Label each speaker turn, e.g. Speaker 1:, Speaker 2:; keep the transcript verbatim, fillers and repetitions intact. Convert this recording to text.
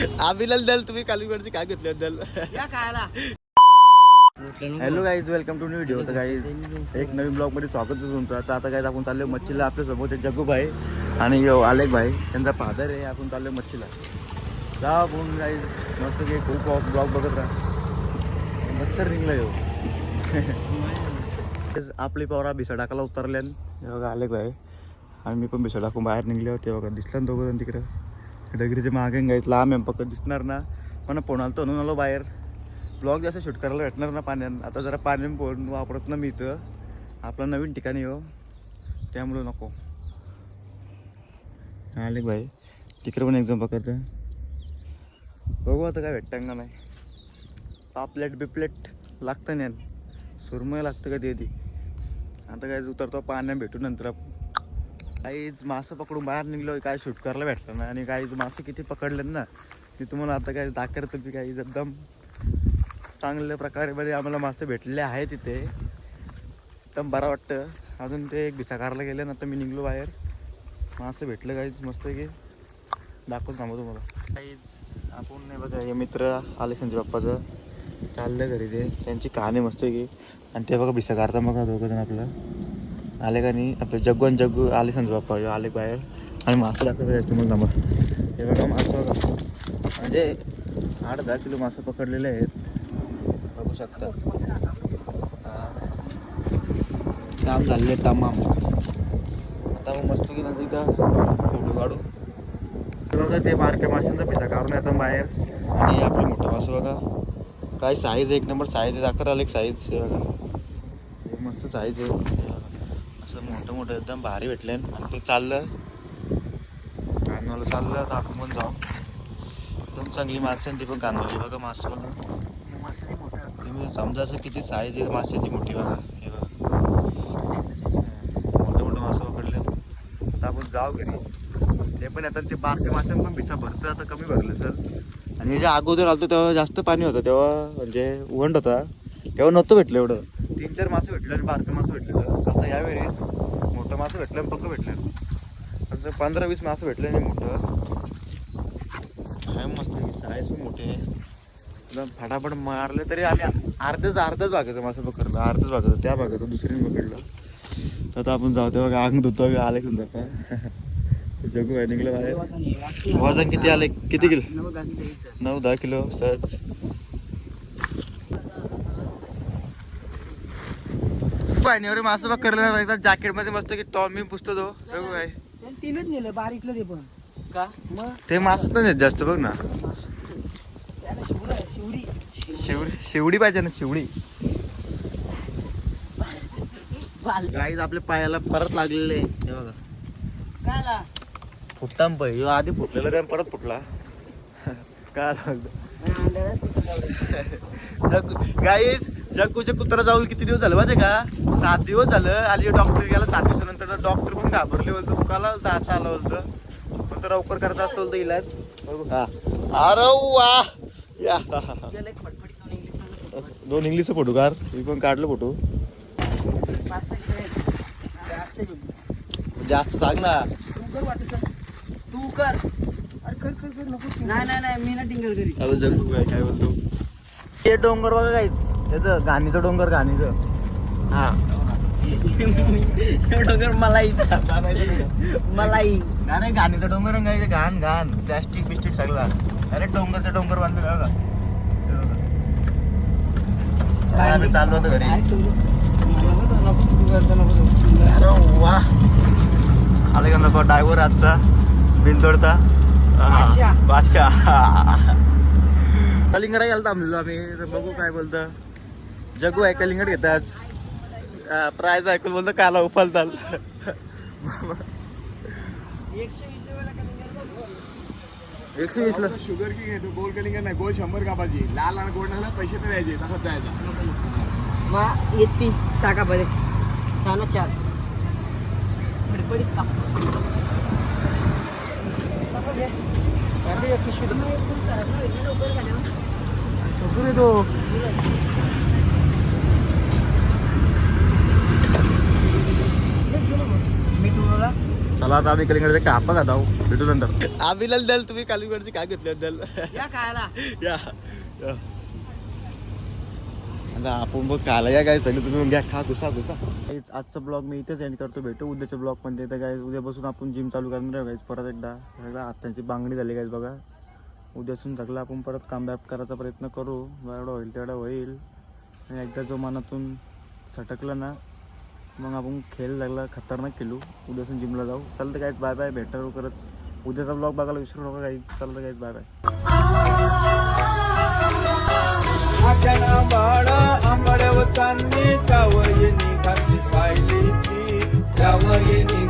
Speaker 1: अभिलाल दल तुम्ही कालीगडची काय घेतली दल
Speaker 2: या खायला.
Speaker 1: Hello guys, welcome to new video. तर गाईज एक नवीन ब्लॉग मध्ये स्वागत आहे तुमचं. आता आता गाईज आपण चाललो मच्छीला. आपल्या सोबत जग्गू भाई आणि यो आलेख भाई, त्यांचा फादर आहे. आपण चाललो मच्छीला. जा आपण गाईज मस्त की खूप ब्लॉग बघत राहा. मच्छर रिंगला येऊ. आपली पवरा भिसाडाकाला उतरल्यान बघा आलेख भाई आणि मी पण भिसाडाकून बाहेर निघले होते. बघा दिसला ना दोघं जण तिकडं डगरीच्या मागे गाईत लांब एम पक्क दिसणार ना. पण पोणाला तर आलो बाहेर. ब्लॉग जास्त शूट करायला भेटणार ना पाण्यात. आता जरा पाण्यात पोहून वापरत ना मी इथं. आपलं नवीन ठिकाणी हो, त्यामुळं नको. आले भाई तिकडे पण एक्झाम पकडतं. बघू आता काय भेटतं का नाही. पापलेट बिपलेट लागतं नाही, सुरमय लागतं कधी कधी. आता काय उतरतो पाण्यात भेटू नंतर आपण. काहीच मासं पकडून बाहेर निघलो, काय शूट करायला भेटलं ना. आणि काहीच मासे किती पकडलेत ना मी तुम्हाला आता काय दाखवतो की काही एकदम चांगल्या प्रकारे मध्ये आम्हाला मासे भेटलेले आहे तिथे. एकदम बरं वाटतं. अजून ते एक भिसाकारला गेले ना, आता मी निघलो बाहेर. मासे भेटलं काहीच मस्त की दाखवून थांबतो तुम्हाला. काहीच आपण नाही बघा, हे मित्र आले संजय बाप्पाचं चाललं घरी. ते त्यांची कहाणी मस्त की. आणि ते बघा भिसाकारता बघा दोघं जण आपलं आले का नाही. आपले जग्गू आणि जग्गू आले संजय बाप्पा आले बाहेर. आणि मासे दाखवतो तुम्हाला थांबा. हे बघा मासं बघा, म्हणजे आठ दहा किलो मासे पकडलेले आहेत. बघू शकता काम झालेले तमाम. आता मग मस्त की नंतर का फोटो काढू. बघा ते बारक्या माशांचा पिसा काढून येतात बाहेर. आणि आपलं मोठं मासं बघा काय साईज, एक नंबर साईज आहे. दाखर आलं एक साईज हे बघा, मस्त साईज आहे. असं मोठं मोठं एकदम भारी भेटले. आणि ते चाललं कानवाला चाललं. तर आपण पण जाऊ. एकदम चांगली मासे आणि ती पण कानवाली बघा. मासे बघा तुम्ही समजा असं किती साईज आहे माशाची मोठी बघा. हे बघा मोठे मोठे मासे पकडले. तर आपण जाऊ घरी. ते पण आता ते बारक्या माशांना पण भिसा भरतं, आता कमी भरलं सर. आणि ज्या अगोदर आलतो तेव्हा जास्त पाणी होतं, तेव्हा म्हणजे उंड होता तेव्हा नव्हतं भेटलं एवढं. तीन चार मासे भेटले आणि बारकं मासे भेटलेलं. आता यावेळेस मोठं मासे भेटलं आणि पक्क भेटलं. आता पंधरा वीस मासे भेटले आणि मोठं आहे मस्त. साईज पण मोठी आहे एकदम. फटाफट मारले तरी आम्ही अर्धच अर्धच भागायचं मासे पकडलं. अर्धच भागायचं त्या भागाचं दुसरीने पकडलं. आता आपण जाऊ तेव्हा अंग धुतो आले सुद्धा का. जगू आहे निघलं बाहेर. वजन किती आले, किती किलो? नऊ दहा किलो सहज. पाण्यावर मासे पकडलं एकदा जॅकेट मध्ये मस्त की टॉम मी पुसतो तो. बघू काय
Speaker 2: तीनच नेलं बारीकलं ते पण का मग
Speaker 1: ते मासच नाही जास्त बघ ना.
Speaker 2: शिवरी
Speaker 1: शिवडी शिवडी पाहिजे ना, शिवडी. गाईज आपल्या पायाला परत लागलेले हे बघा.
Speaker 2: कायला
Speaker 1: फुटताम पाहिजे आधी फुटलेलं त्या परत फुटला. काय जग गाईज जग्गूच्या कुत्रा जाऊन किती दिवस झालं माहिती का? सात दिवस झालं. आली डॉक्टर गेला सात दिवसानंतर. डॉक्टर पण घाबरले बोलतो दुखाला दाता आला बोलतं. पण तर लवकर करत असतो बोलतो इलाज. बघू हा अरे वा या दोन इंग्लिश फोटो कार मी पण काढलं फोटो. जास्त सांग ना
Speaker 2: तू कर. अरे कर कर कर नको. नाही नाही नाही मी ना टिंगल करी.
Speaker 1: अरे जग्गू काय काय बोलतो. ते डोंगर बघा काहीच त्याचं घाणीचं डोंगर घाणीचं. हा
Speaker 2: डोंगर मलाईचा मलाई
Speaker 1: नाही घाणीचं डोंगर रंगायचं. घाण घाण प्लॅस्टिक बिस्टिक सगळा. अरे डोंगरचा डोंगर बांधलं बघा. आम्ही चाललो होतो घरी. अरे वा आले का नको ड्रायव्हर आजचा बिनतोडता बादशाह. कलिंगड यायला थांबलेलो आम्ही. तर बघू काय बोलतं. जग्गू आहे कलिंगड घेत आज प्राईज ऐकून बोलतो काला उफालताल. एकशे वीस ला
Speaker 3: शुगर की घेतो. गोल कलिंगड नाही, गोल शंभर कापाची. लाल आणि गोड नाही पैसे तर द्यायचे. तसंच जायचा.
Speaker 2: मग येते साका पहिले साना चार पडपडीत का
Speaker 1: तो
Speaker 2: मी तुला
Speaker 1: चला आता आम्ही कलिंगडचे कापा खात आहो. भेटू नंतर. आम्ही द्याल तुम्ही कलिंगडची काय घेतली द्याल
Speaker 2: या खायला
Speaker 1: या या. आता आपण बघ खायला या काय सगळं तुम्ही घ्या खा घुसा घुसा. आजचा ब्लॉग मी इथेच एंड करतो. भेटू उद्याच्या ब्लॉग पण तर काय उद्यापासून आपण जिम चालू करणार आहे गाईज परत एकदा. सगळं हातांची बांगडी झाली गाईज बघा. उद्यासून सगळं आपण परत कामबॅक करायचा प्रयत्न करू. एवढं होईल तेवढं होईल. आणि एकदा जो मनातून सटकलं ना मग आपण खेळ लागला खतरनाक खेळू. उद्यासून जिमला जाऊ. चालतं काहीच बाय बाय. भेटू करत उद्याचा ब्लॉग बघायला विसरू नका काही. चालतं काहीच बाय बाय.
Speaker 3: आंबड्यावर चांदणी त्यावर येणी घातली सायलीची त्यावर येणी